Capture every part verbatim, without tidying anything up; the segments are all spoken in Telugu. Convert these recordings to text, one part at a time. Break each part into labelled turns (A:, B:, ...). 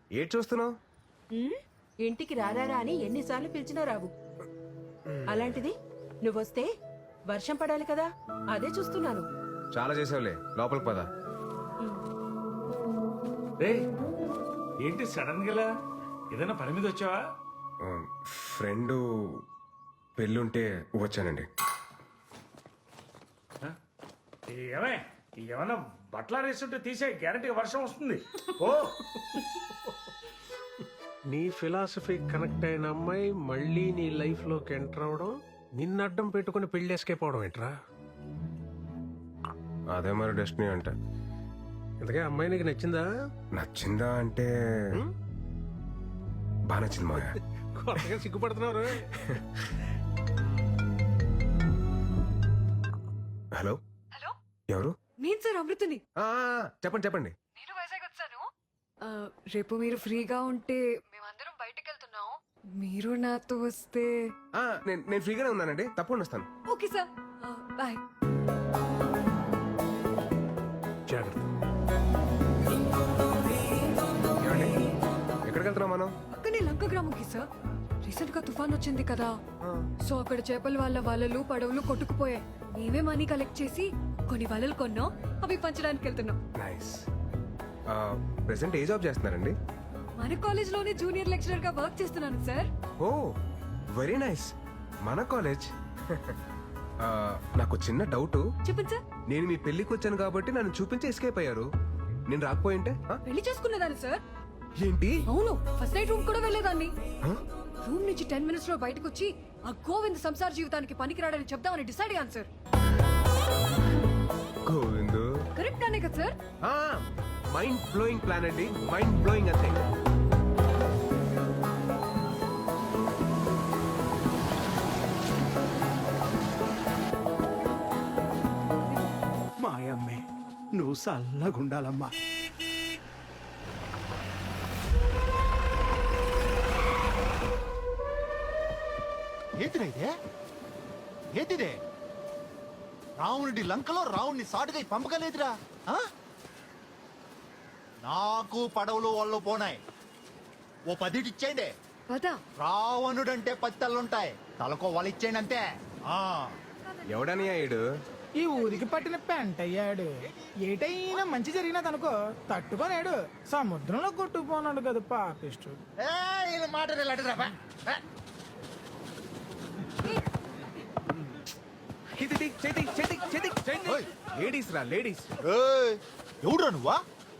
A: ఏడ్ చూస్తున్నావు?
B: ఇంటికి రారారా అని ఎన్నిసార్లు పిలిచినా రావు. అలాంటిది నువ్వొస్తే వర్షం పడాలి కదా, అదే చూస్తున్నాను.
A: చాలా చేసావులే, లోపలికి పద.
C: రే ఏంటి సడన్ గా ఏదైనా పని మీద వచ్చావా?
A: ఫ్రెండ్ పెళ్ళుంటే వచ్చానండి.
C: ఏమే ఏమన్నా బట్టలు వేస్తుంటే తీసే గ్యారంటీ వర్షం వస్తుంది. ఓ
D: నీ ఫిలాసఫీ కనెక్ట్ అయిన అమ్మాయి మళ్ళీ నీ లైఫ్ లోకి ఎంటర్ అవడం, నిన్ను అడ్డం పెట్టుకుని పెళ్లి ఎస్కేప్ అవడం ఏంట్రా?
A: అదే మరి డెస్టినీ అంటే.
D: ఇంతకే అమ్మాయి నీకు నచ్చిందా?
A: నచ్చిందా అంటే బాగా నచ్చింది మాయా.
D: కొత్తగా సిగ్గుపడుతున్నారు.
A: హలో
E: హలో,
A: ఎవరు?
E: నేను సార్ అమృతని.
A: ఆ, చెప్పండి చెప్పండి.
E: నేను వైజాగ్ వచ్చాను. ఆ, రేపు మీరు ఫ్రీగా ఉంటే మేమందరం బయటకు వెళ్తున్నాం. మీరు నాతో వస్తే.
A: ఆ, నేను నేను ఫ్రీగానే ఉన్నానండి, తప్పకుండా వస్తాను.
E: Okay sir, bye.
D: జాగ్రత్త.
A: ఏమండి, ఎక్కడికి వెళ్తున్నాం మనం?
E: అక్కనే లంక గ్రామంకి సార్. రీసెంట్ గా తుఫాన్ వచ్చింది కదా, సో అక్కడ చేపల వాళ్ళ వలలు పడవలు కొట్టుకుపోయాయి. మేమే మనీ కలెక్ట్ చేసి కొన్ని వలలు కొన్నాం, అవి పంచడానికి వెళ్తున్నాం.
A: నైస్. ప్రెసెంట్ ఏ జాబ్ చేస్తున్నారండి?
E: మన కాలేజ్ లోనే జూనియర్ లెక్చరర్ గా వర్క్ చేస్తున్నాను సార్.
A: Oh very nice. మన కాలేజ్. నాకు చిన్న డౌట్.
E: చెప్పండి సార్.
A: నేను మీ పెళ్లికి వచ్చాను కాబట్టి నన్ను చూపించి ఎస్కేప్ అయ్యారు. నేను రాకపోయింటే ఆ?
E: పెళ్లి చేసుకునేదాన్ని సార్.
A: ఏంటి?
E: అవును, ఫస్ట్ నైట్ రూమ్ కూడా వెళ్ళేదాన్ని.
A: ఆ?
E: రూమ్ నుంచి టెన్ మినిట్స్ లో బయటకు వచ్చి ఆ గోవింద్ సంసార జీవితానికి పనికిరాడని చెప్దామని డిసైడ్ అయ్యాను సార్.
A: గోవిందు
E: కరెక్ట్ అనే కదా సార్?
A: మైండ్ బ్లోయింగ్ ప్లాన్ అండి, మైండ్ బ్లోయింగ్ అంతే.
F: మాయమ్మే, నువ్వు చల్లగుండాలమ్మా.
G: ఏంటిదే ఇదే? ఏంటిదే? రావణుడి లంకలో రావుణ్ణి సాటుగా పంపగలేదురా. ఆ? నాకు పడవలు వాళ్ళు పోనాయి, ఓ పదిటి ఇచ్చేయండి.
E: పదా
G: రావణుడంటే పది తల్లుంటాయి, తలకో వాళ్ళు ఇచ్చేయండి అంతే. ఆ
A: ఎవడని అయ్యాడు?
H: ఈ ఊరికి పట్టిన పెంట అయ్యాడు. ఏటైనా మంచి జరిగినదనుకో తట్టుకోలేడు, సముద్రంలో కొట్టుకుపోనాడు కదా పాపిష్టు.
G: మాట
A: లేడీస్ రా, లేడీస్.
G: ఎవడురా నువ్వా?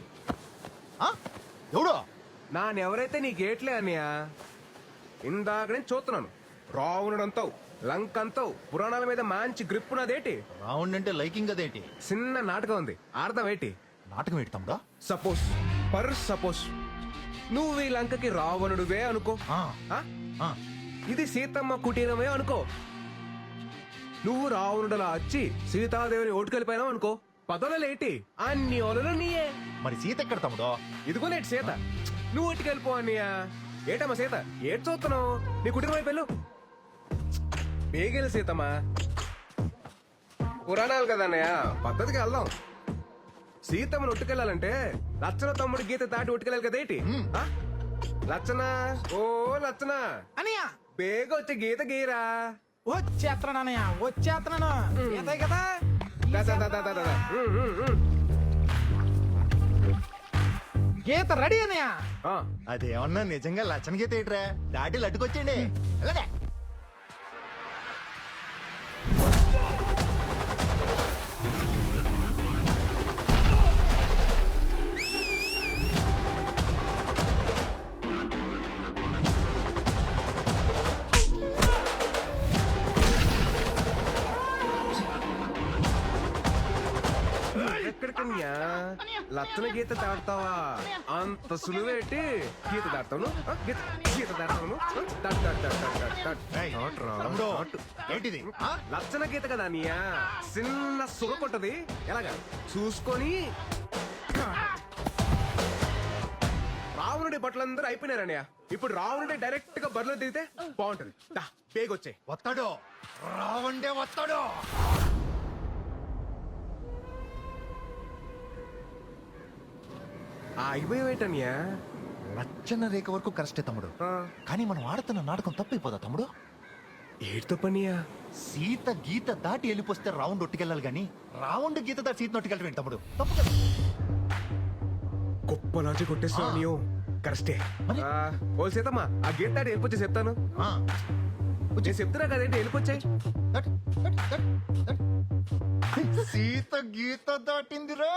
G: ఎవడో
A: నానెవరైతే నీ గేట్లే అన్నయ్య. ఇందాక నేను చూస్తున్నాను. రావణుడంతావు, లంకంతావు, పురాణాల మీద మంచి గ్రిప్ ఉన్నదేటి.
G: రావణ్ అంటే లైకింగ్ అదేంటి?
A: చిన్న నాటకం ఉంది, అర్థం ఏంటి?
G: నాటకం ఏంటి తమ్ముడా?
A: సపోజ్ పర్ సపోజ్ నువ్వు ఈ లంకకి రావణుడువే అనుకో.
G: ఆ,
A: ఆ?
G: ఆ.
A: ఇది సీతమ్మ కుటీరమే అనుకో. నువ్వు రావణుడలా వచ్చి సీతాదేవిని ఓటుకెళ్ళిపోయినావు అనుకో. పదవులేటి అన్ని ఒలలు నీయే.
G: మరి సీత ఎక్కడ తమ్ముడో?
A: ఇదిగో నేటి సీత. నువ్వు ఓటుకెళ్ళిపో అన్నయ్య. ఏటమ్మా సీత, ఏటి చూస్తున్నావు? నీ కుటుంబం వైపు వెళ్ళు. బేగెలు సీతమ్మా. పురాణాలు కదా అన్నయ్య, పద్ధతికి వెళ్దాం. సీతమ్మను ఒట్టుకెళ్ళాలంటే లచ్చన తమ్ముడు గీత దాటి ఒట్టుకెళ్ళాలి కదేటి. ఆ? లచ్చన, ఓ లచ్చన
H: అనయ్య
A: బేగ వచ్చి గీత గీరా.
H: వచ్చేస్తున్నాను అనయ్య, వచ్చేస్తున్నాను. ఈతే కదా
A: దా, దా, దా, దా, దా, దా. ఉమ్, ఉమ్, ఉమ్.
H: గీత రెడీ అనయ్య.
A: ఆ,
G: అదేమన్నా నిజంగా లచ్చన గీత ఏంట్రా? దాటి లట్టుకొచ్చేయండి. వెళ్ళండి.
A: ఎక్కడికన్యా లచ్చన గీత దాడతావా? అంత సులువేటి గీత దాడతాను. ఆ, గీత గీత దాడతాను. ఆ, దాట్, దాట్, దాట్, దాట్, దాట్, దాట్.
G: ఏయ్,
A: దాట్రా,
G: తమ్ముడు,
A: దాటు.
G: ఏంటిది? ఆ?
A: లచ్చన గీత కదా అన్నయ్య, చిన్న సుగ కొట్టది. ఎలాగా చూసుకొని. రావణుడి బట్టలందరూ అయిపోయినారన్నయ్య. ఇప్పుడు రావణుడి డైరెక్ట్ గా బరిలో దిగితే బాగుంటది. దా, పేగొచ్చే.
G: వస్తాడు, రావండే వస్తాడు.
A: ఆగిపోయేటన్యా,
G: రచ్చన రేఖ వరకు కరెస్టే తమ్ముడు
A: ఆ,
G: కానీ మనం ఆడుతున్న నాటకం తప్పైపోదా తమ్ముడు
A: ఏటితో పనియా
G: సీత గీత దాటి వెళ్ళిపోస్తే రౌండ్ ఒట్టుకెళ్ళాలి గాని రౌండ్ గీత దాటి సీత ఒట్టుకెళ్ళటం ఏంటి తమ్ముడు తప్పు కదా.
A: గొప్ప లాజిక్ కొట్టేస్తున్నావు నీవు కరెస్టే
G: మరి?
A: ఆ, ఓ సీతమ్మా ఆ గీత దాటి వెళ్ళిపోతే చెప్తాను
G: ఆ,
A: నేను చెప్తున్నా కదేంటి వెళ్ళిపోచ్చాయి
G: దాటు, దాటు, దాటు, దాటు. సీత గీత దాటిందిరా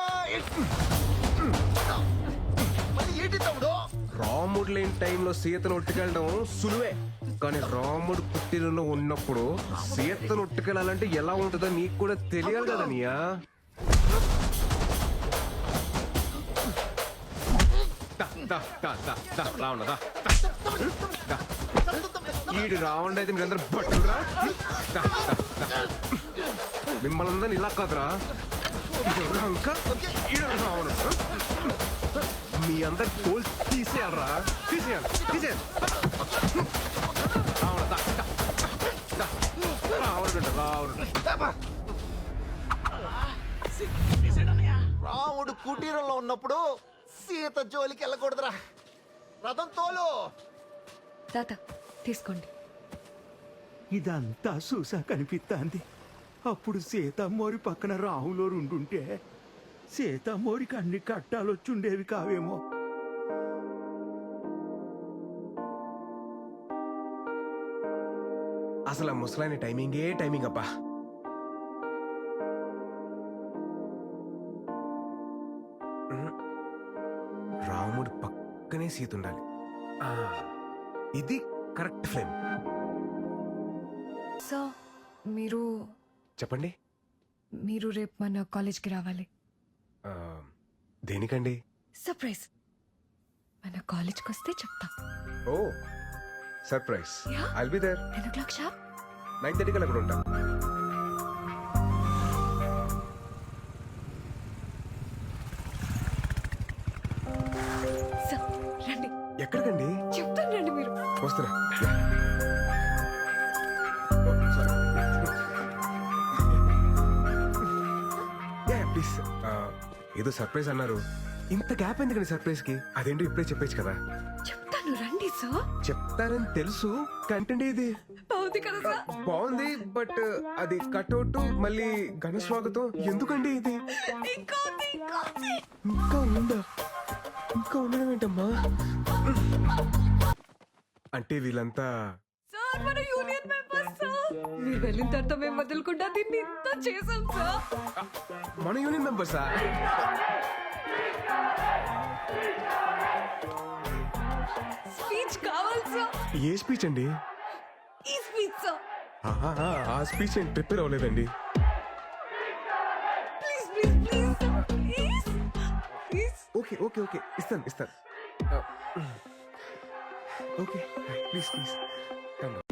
G: మరి ఏంటి తమ్ముడు
A: రాముడు లేని టైంలో సీతను ఉట్టుకెళ్ళడం సులువే కానీ రాముడు పుట్టినలో ఉన్నప్పుడు సీతను ఉట్టుకెళ్ళాలంటే ఎలా ఉంటుందో నీకు కూడా తెలియాలి కదా నీయా దా, దా, దా, దా, దా, రావణ, దా, దా, దా. ఈడు రావణ అయితే మీరందరూ బట్టురా దా, దా, దా. మిమ్మల్ని అందరిని ఇలా కాదురా ఇంకా ఈడు రావణ మీ అందరి తోలు తీసేయాలరా తీసేయాలి తీసేయాలి రావణ దా, దా, దా. రావణ బిడ్డ, రావణ
G: రాముడు కుటీరంలో ఉన్నప్పుడు సీత జోలికి వెళ్ళకూడదురా రథం తోలు
E: తాత తీసుకోండి.
F: ఇదంతా చూసా కనిపిస్తాంది అప్పుడు సీతమ్మోరి పక్కన రాములో ఉండుంటే సీతమ్మోరికి అన్ని కట్టాలొచ్చుండేవి కావేమో.
A: అసలు ఆ ముసలాయన టైమింగే టైమింగ్ అబ్బా ఉమ్. రాముడు పక్కనే సీత ఉండాలి ఆ, ఇది కరెక్ట్ ఫ్రేమ్
E: సో మీరు
A: చెప్పండి
E: మీరు రేపు మన కాలేజ్కి రావాలి.
A: ఆ, దేనికండి
E: సర్ప్రైజ్. మన కాలేజ్కి వస్తే చెప్తా.
A: ఓ surprise
E: Yeah.
A: I'll be there
E: ten o'clock sharp.
A: Nine థర్టీకి అక్కడ ఉంటా
E: సో రండి,
A: ఎక్కడికండి
E: చెప్తాను రండి మీరు.
A: వస్తున్నా ఓ, sorry. Yeah, please. ఆ, ఏదో సర్ప్రైజ్ అన్నారు ఇంత గ్యాప్ ఎందుకండి సర్ప్రైజ్ కి అదేంటో ఇప్పుడే చెప్పేచ్చు కదా
E: చెప్తాను రండి సార్.
A: చెప్తారని తెలుసు కంటెంట్ ఇది
E: బాగుంది కదా సార్?
A: బాగుంది బట్ అది కట్అవుట్ మళ్ళీ ఘన స్వాగతం ఎందుకండి ఇది
E: ఇంకా ఉంది, ఇంకా ఉంది.
A: ఇంకా ఉందా ఇంకా ఉండడం ఏంటమ్మా అంటే వీళ్ళంతా
E: సార్ మన యూనియన్ మెంబర్స్ సార్. మీరు వెళ్ళిన తర్వాత మేము వదలకుండా దీన్ని ఇంత చేసాం సార్.
A: మన యూనియన్ మెంబర్సా
E: స్పీచ్ కావాలి సార్.
A: ఏ స్పీచ్ అండి
E: ఈ స్పీచ్ సార్.
A: ఆహా, ఆ స్పీచ్ నేను ప్రిపేర్ అవ్వలేదండి
E: please please please sir, please please.
A: Okay okay okay ఇస్తాను ఇస్తాను ఓకే ప్లీజ్ ప్లీజ్